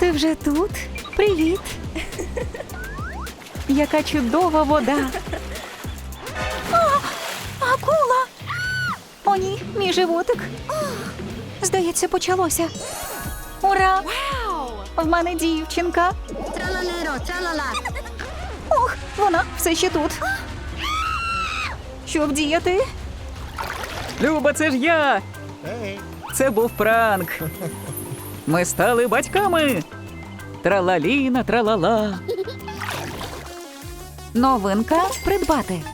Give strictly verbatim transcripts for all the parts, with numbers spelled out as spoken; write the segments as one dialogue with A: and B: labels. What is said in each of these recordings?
A: Ти вже тут? Привіт! Яка чудова вода! О, акула! О, ні, мій животик! Здається, почалося. Ура! В мене дівчинка! Ох, вона все ще тут. Що вдіяти?
B: Люба, це ж я! Це був пранк. Ми стали батьками. Тралаліна, тралала.
A: Новинка придбати.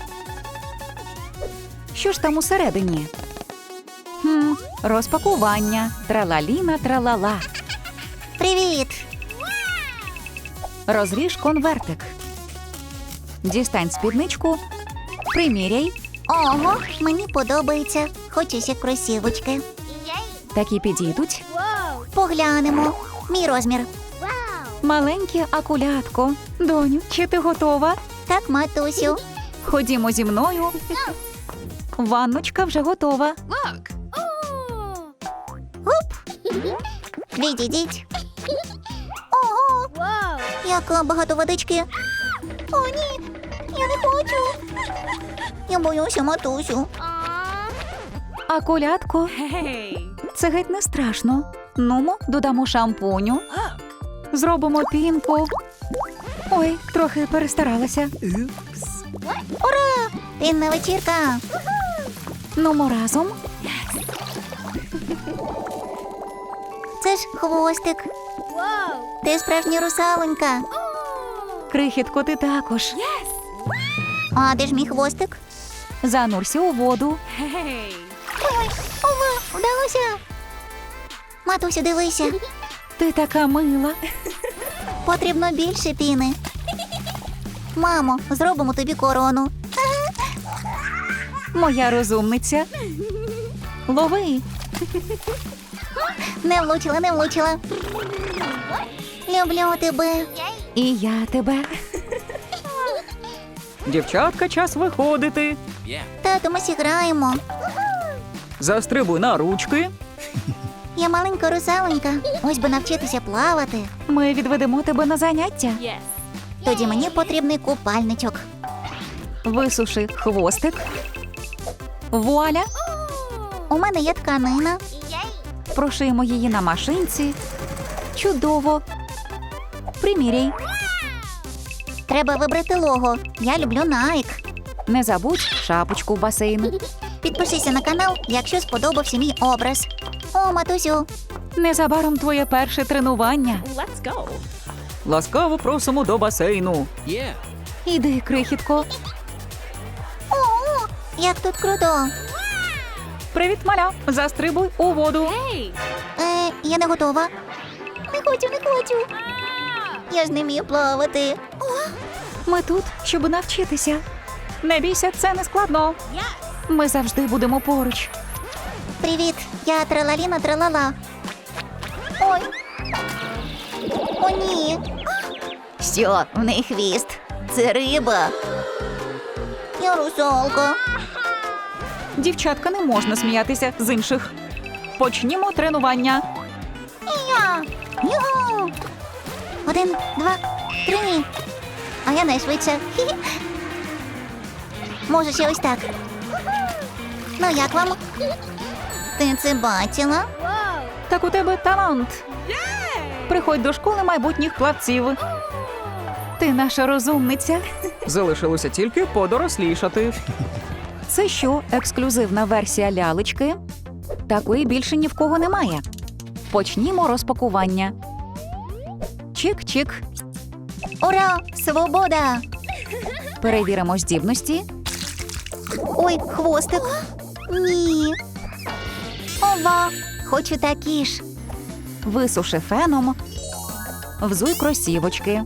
A: Що ж там усередині? Хм, розпакування. Тралаліна, тралала.
C: Привіт!
A: Розріж конвертик. Дістань спідничку. Приміряй.
C: Ого, мені подобається. Хочеться кросівочки.
A: Такі підійдуть.
C: Поглянемо. Мій розмір.
A: Маленьке акулятко. Доню, чи ти готова?
C: Так, матусю.
A: Ходімо зі мною. Ванночка вже готова.
C: Відійдіть. Ого, яка багато водички. О, ні, я не хочу. Я боюся, матусю.
A: Акулятко. Це геть не страшно. Нумо, додамо шампуню. Зробимо пінку. Ой, трохи перестаралася.
C: Ура! Пінна вечірка.
A: Нумо разом.
C: Це ж хвостик. Ти справжня русалонька.
A: Крихітко, ти також.
C: А де ж мій хвостик?
A: Занурся у воду.
C: Ой, ова, вдалося. Матусю, дивися.
A: Ти така мила.
C: Потрібно більше піни. Мамо, зробимо тобі корону.
A: Моя розумниця. Лови.
C: Не влучила, не влучила. Люблю тебе.
A: І я тебе.
B: Дівчатка, час виходити.
C: Тату, ми зіграємо.
B: Застрибуй на ручки.
C: Я маленька русалонька. Ось би навчитися плавати.
A: Ми відведемо тебе на заняття.
C: Тоді мені потрібний купальничок.
A: Висуши хвостик. Вуаля.
C: У мене є тканина.
A: Прошиємо її на машинці. Чудово. Приміряй.
C: Треба вибрати лого. Я люблю Nike.
A: Не забудь шапочку в басейн.
C: Підпишися на канал, якщо сподобався мій образ. О, матусю,
A: Незабаром твоє перше тренування.
B: Ласкаво просимо до басейну.
A: Іди, крихітко.
C: о, як тут круто.
A: Привіт, маля. Застрибуй у воду.
C: Е, я не готова. Не хочу, не хочу. Я ж не вмію плавати.
A: Ми тут, щоб навчитися. Не бійся, це не складно. Ми завжди будемо поруч.
C: Привіт, я тралаліна тралала. Ой. О, ні. Що, в неї хвіст? Це риба. Я русалка.
A: Дівчатка, не можна сміятися з інших. Почнімо тренування.
C: І я. Югу. Один, два, три. А я найшвидша. Хі-хі. Може, ще ось так. Ну, як вам? Ти це бачила?
A: Так у тебе талант. Приходь до школи майбутніх плавців. Ти наша розумниця.
B: Залишилося тільки подорослішати.
A: Це що, ексклюзивна версія лялечки? Такої більше ні в кого немає. Почнімо розпакування. Чик-чик.
C: Ура! Свобода!
A: Перевіримо здібності.
C: Ой, хвостик. Ні. Ова, хочу такі ж.
A: Висуши феном. Взуй кросівочки.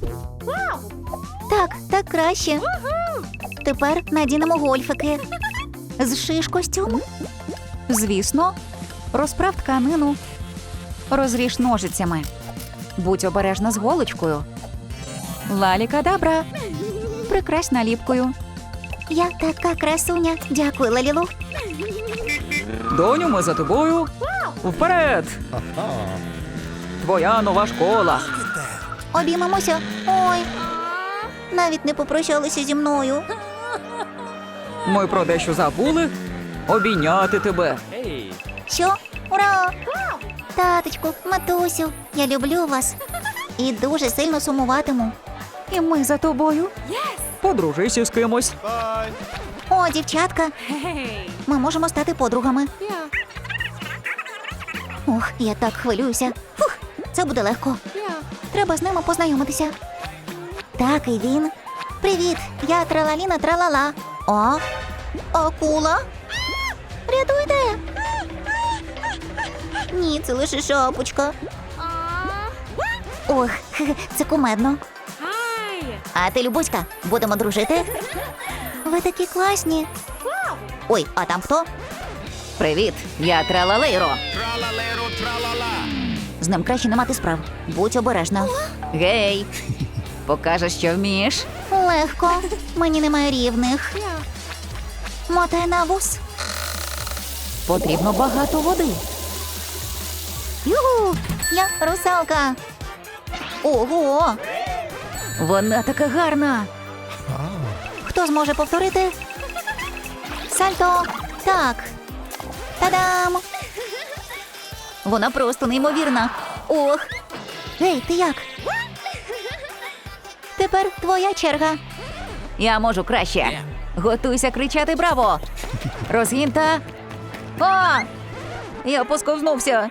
C: Так, так краще. Тепер надінемо гольфики. Зшиш костюм.
A: Звісно, розправ тканину. Розріж ножицями. Будь обережна з голочкою. Лалі-кадабра. Прикрась наліпкою.
C: Я така красуня. Дякую, Лалілу.
B: Доню, ми за тобою. Вперед! твоя нова школа.
C: Обіймемося. Ой. Навіть не попрощалися зі мною.
B: Ми про дещо забули. Обійняти тебе.
C: Що? Ура! Таточку, матусю, я люблю вас. І дуже сильно сумуватиму.
A: І ми за тобою.
B: Подружися з кимось.
C: О, дівчатка. Ми можемо стати подругами. Ох, я так хвилююся. Фух, це буде легко. Треба з ними познайомитися. Так, і він. Привіт, я Тралаліна Тралала. О, акула? Рятуйте! Ні, це лише шапочка. Ох, хе-хе, це кумедно. А ти, Любуська, будемо дружити? Ви такі класні. Ой, а там хто?
A: Привіт, я Тралалейро.
C: З ним краще не мати справ. Будь обережна.
A: Гей, покажеш, що вмієш?
C: Легко. Мені немає рівних. Мотай на вус.
A: Потрібно багато води.
C: Юху! Я русалка. Ого!
A: Вона така гарна.
C: Хто зможе повторити? Сальто. Так. Та-дам!
A: Вона просто неймовірна.
C: Ох. Гей, ти як? Тепер твоя черга.
A: Я можу краще. Готуйся кричати браво. Розгін та... А! Я посковзнувся.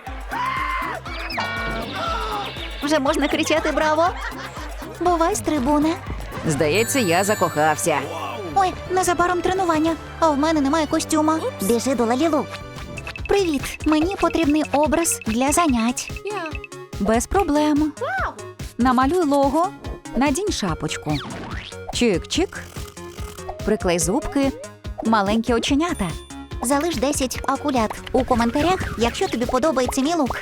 C: Вже можна кричати браво. Бувай, стрибуне.
A: Здається, я закохався.
C: Ой, незабаром тренування, а в мене немає костюма. Біжи до Лалілу. Привіт, мені потрібний образ для занять.
A: Без проблем. Намалюй лого, надінь шапочку. Чик-чик. Приклей зубки, маленькі оченята.
C: Залиш десять акулят у коментарях, якщо тобі подобається мій лук.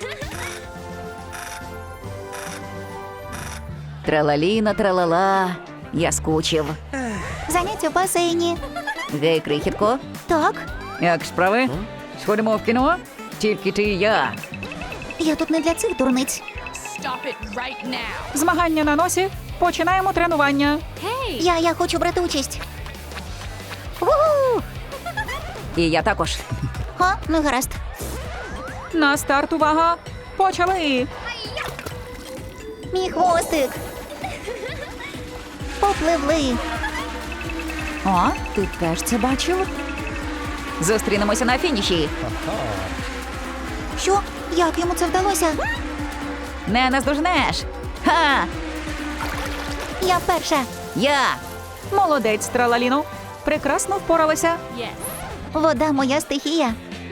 A: Тралаліна, тралала. Я скучив.
C: Заняття в басейні.
A: Гей, крихітко.
C: Так,
B: Як справи? Сходимо в кіно? Тільки ти і я.
C: я тут не для цих дурниць.
D: Stop it right now.
B: Змагання на носі. Починаємо тренування.
C: Я, я хочу брати участь. Ву!
A: І я також.
C: Ха, ну гаразд.
B: На старт, увага. Почали.
C: Мій хвостик. Попливли.
A: О, ти теж це бачив? Зустрінемося на фініші.
C: Що? Як йому це вдалося?
A: Не наздожнеш. Ха!
C: Я перша.
A: Я!
B: Молодець, Тралаліно. Прекрасно впоралася.
D: Yes.
C: Вода моя стихія.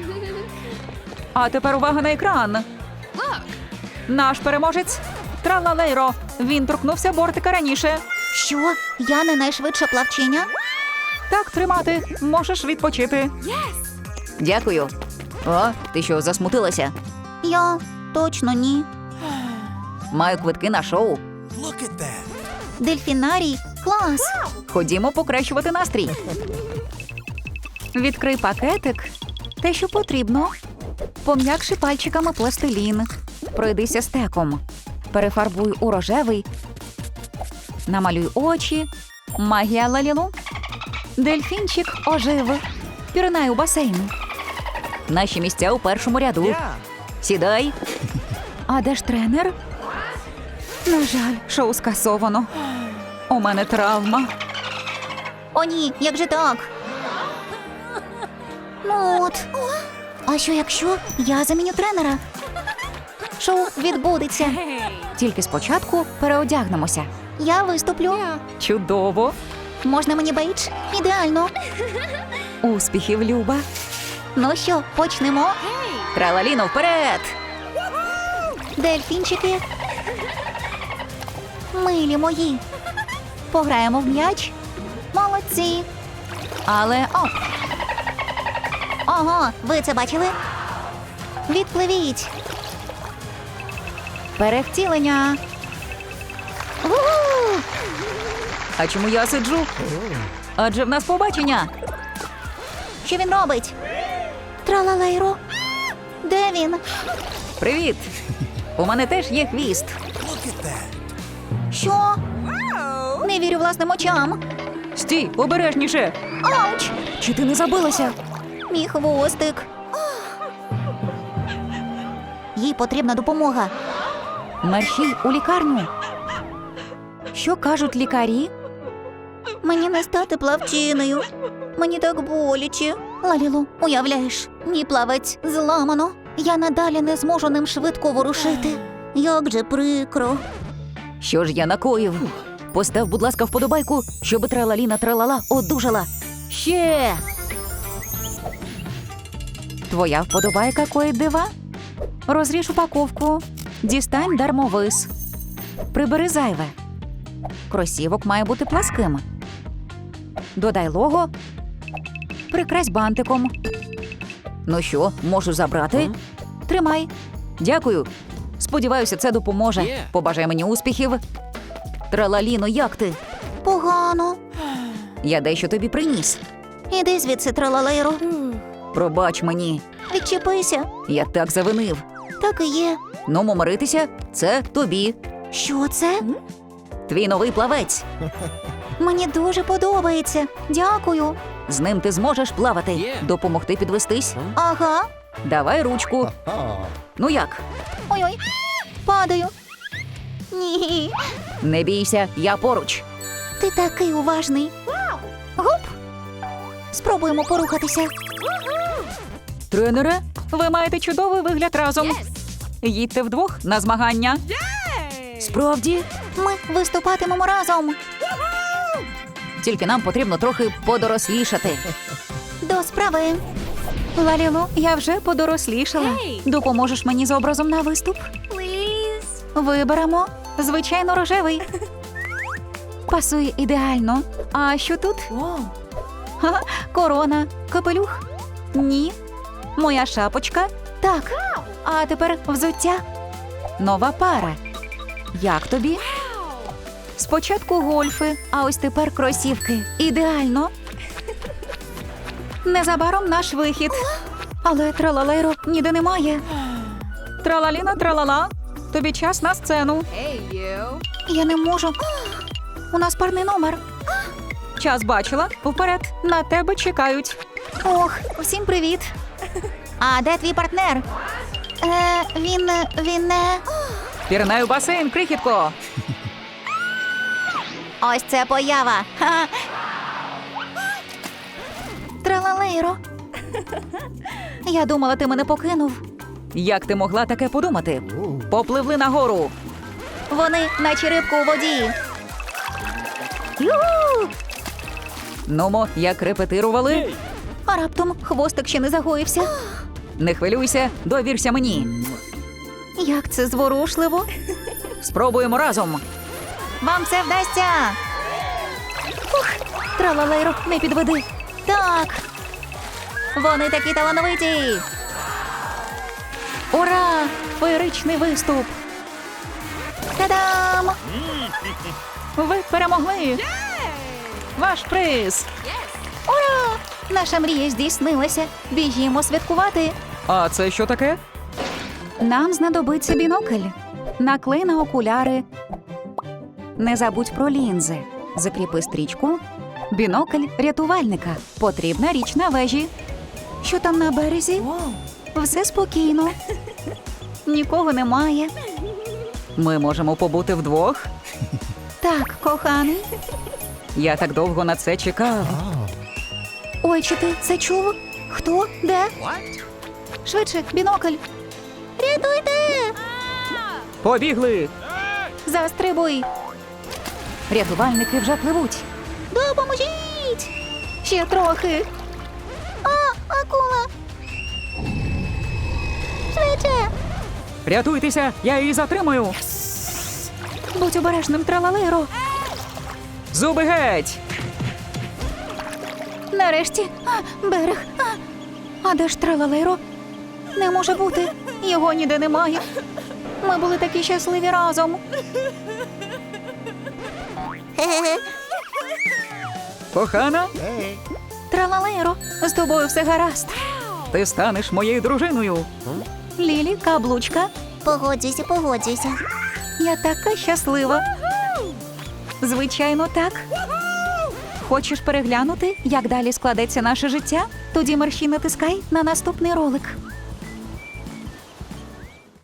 B: А тепер увага на екран. Наш переможець Тралалейро. Він торкнувся бортика раніше.
C: Що? Я не найшвидша плавчиня?
B: Так тримати. Можеш відпочити.
A: Дякую. О, ти що, засмутилася?
C: Я точно ні.
A: Маю квитки на шоу.
C: Дельфінарій? Клас!
A: Ходімо покращувати настрій.
B: Відкрий пакетик.
A: Те, що потрібно. Пом'якши пальчиками пластилін. Пройдися стеком. Перефарбуй у рожевий. Намалюй очі. Магія Лалілу. Дельфінчик ожив. Пірнай у басейн. Наші місця у першому ряду. Сідай. А де ж тренер?
B: На жаль, шоу скасовано. У мене травма.
C: О, ні, як же так? Ну от. А що якщо я заміню тренера? Шоу відбудеться.
A: Тільки спочатку переодягнемося.
C: Я виступлю.
B: Чудово.
C: Можна мені бейдж? Ідеально.
A: Успіхів, Люба.
C: Ну що, почнемо?
A: Тралаліно, вперед!
C: Дельфінчики. Милі мої. Пограємо в м'яч. Молодці.
A: Але о,
C: Ого, ви це бачили? Відпливіть.
A: перевтілення.
C: У-у!
A: А чому я сиджу? Адже в нас побачення.
C: Що він робить? Тралалейро. Де він?
A: Привіт!
B: У мене теж є хвіст.
C: Що? Не вірю власним очам.
B: Стій, обережніше.
C: Ауч!
B: Чи ти не забилася?
C: Мій хвостик. Їй потрібна допомога.
A: Мерщій у лікарню. Що кажуть лікарі?
C: Мені не стати плавчиною. Мені так боляче. Лалілу, уявляєш, мій плавець зламано. Я надалі не зможу ним швидко ворушити. Як же прикро.
B: Що ж я накоїв? Постав, будь ласка, вподобайку, щоб тралаліна тралала одужала. Ще!
A: Твоя вподобайка коїть дива? Розріж упаковку. Дістань дармовис. Прибери зайве. Кросівок має бути пласким. Додай лого. Прикрась бантиком.
B: Ну що, можу забрати?
A: Тримай.
B: Дякую. Сподіваюся, це допоможе. Побажай мені успіхів. Тралаліно, як ти?
C: Погано.
B: Я дещо тобі приніс.
C: Іди звідси, тралалейро.
B: Пробач мені.
C: Відчепися.
B: Я так завинив.
C: Так і є.
B: Ну, миритися, це тобі.
C: Що це?
B: Твій новий плавець.
C: Мені дуже подобається. Дякую.
B: З ним ти зможеш плавати. Допомогти підвестись?
C: Ага.
B: Давай ручку. Ну як?
C: Ой-ой. Падаю. Ні.
B: Не бійся, я поруч.
C: Ти такий уважний. Гоп. Спробуємо порухатися.
A: Тренере, ви маєте чудовий вигляд разом. Їдьте вдвох на змагання.
B: Справді?
C: Ми виступатимемо разом.
B: Тільки нам потрібно трохи подорослішати.
C: До справи.
A: Лалілу, я вже подорослішала. Допоможеш мені з образом на виступ? Виберемо. Звичайно, рожевий. Пасує ідеально. А що тут? Ха, корона. Капелюх? Ні. Моя шапочка? Так. А тепер взуття. Нова пара. Як тобі? Спочатку гольфи, а ось тепер кросівки. Ідеально. Незабаром наш вихід. Але тралалейро ніде немає. Тралаліна, тралала. Тобі час на сцену.
D: Hey, you.
C: Я не можу. У нас парний номер.
A: Час бачила. Вперед. На тебе чекають.
C: Ох, всім привіт. А де твій партнер? Е, він, він не...
A: Пірнай у басейн, крихітко.
C: Ось це поява. Ха. Тралалейро. Я думала, ти мене покинув.
A: Як ти могла таке подумати? Попливли нагору.
C: Вони наче рибку у воді. Ю!
A: Нумо, як репетирували.
C: А раптом хвостик ще не загоївся.
A: Не хвилюйся, довірся мені.
C: Як це зворушливо.
A: Спробуємо разом.
C: Вам це вдасться. Ух, тралалейро, не підведи. Так. Вони такі талановиті.
A: Ура! Феєричний виступ.
C: Та-дам!
A: Ви перемогли. Ваш приз.
C: Ура! Наша мрія здійснилася. Біжімо святкувати.
A: А це що таке? Нам знадобиться бінокль. Наклей на окуляри. Не забудь про лінзи. Закріпи стрічку. Бінокль рятувальника. Потрібна річ на вежі. Що там на березі? Все спокійно. Нікого немає. Ми можемо побути вдвох. Так, коханий. Я так довго на це чекав.
C: Ой, чи ти це чув? Хто? Де? Швидше, бінокль. Рятуйте!
A: Побігли!
C: Застрибуй!
A: Рятувальники вже пливуть.
C: Допоможіть! Ще трохи. А, акула! Швидше!
A: Рятуйтеся, я її затримаю. Будь обережним, тралалейро. Зуби геть!
C: Нарешті, а, берег. А,
A: А де ж тралалейро?
C: не може бути.
A: Його ніде немає.
C: Ми були такі щасливі разом. Хе-хе-хе.
A: Кохана,
C: Тралалейро,
A: з тобою все гаразд. Ти станеш моєю дружиною.
C: Лілі, каблучка. Погоджуйся, погоджуйся.
A: Я така щаслива. Звичайно, так. Хочеш переглянути, як далі складеться наше життя? Тоді мерщій натискай на наступний ролик.